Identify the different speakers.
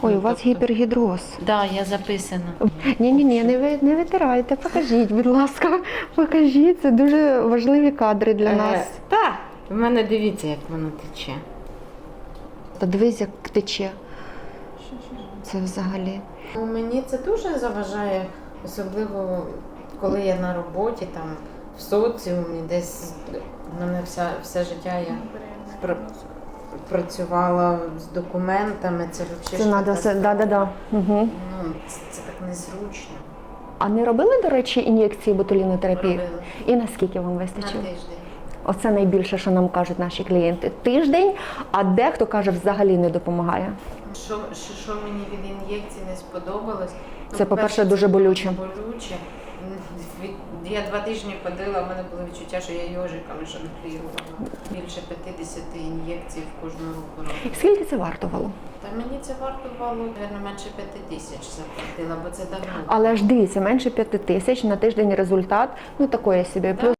Speaker 1: Ой, у вас гіпергідроз.
Speaker 2: Так, да, я записана.
Speaker 1: Ні, не витирайте, покажіть, будь ласка, покажіть, це дуже важливі кадри для нас.
Speaker 2: Так, в мене дивіться, як воно тече.
Speaker 1: Та дивись, як тече. Це взагалі.
Speaker 2: Мені це дуже заважає, особливо коли я на роботі, там, в соціумі, десь в мене все життя я працювала з документами, це взагалі.
Speaker 1: Це треба все, да. Угу.
Speaker 2: Ну, це так незручно.
Speaker 1: А не робили, до речі, ін'єкції ботулінотерапії?
Speaker 2: Робила.
Speaker 1: І наскільки вам
Speaker 2: На
Speaker 1: вистачило?
Speaker 2: тиждень.
Speaker 1: Оце найбільше, що нам кажуть наші клієнти. Тиждень, а дехто каже, взагалі не допомагає.
Speaker 2: Що мені від ін'єкцій не сподобалось? Ну,
Speaker 1: Це, по-перше, дуже болюче.
Speaker 2: Болюче. Я 2 тижні ходила, в мене було відчуття, що я йожиками жонглірувала. Більше 50 ін'єкцій в кожну руку.
Speaker 1: Скільки це вартувало?
Speaker 2: Та мені це вартувало, мабуть, менше 5 тисяч заплатила, бо це давно.
Speaker 1: Але ж дивіться, менше 5 тисяч на тиждень результат, ну такої собі. Плюс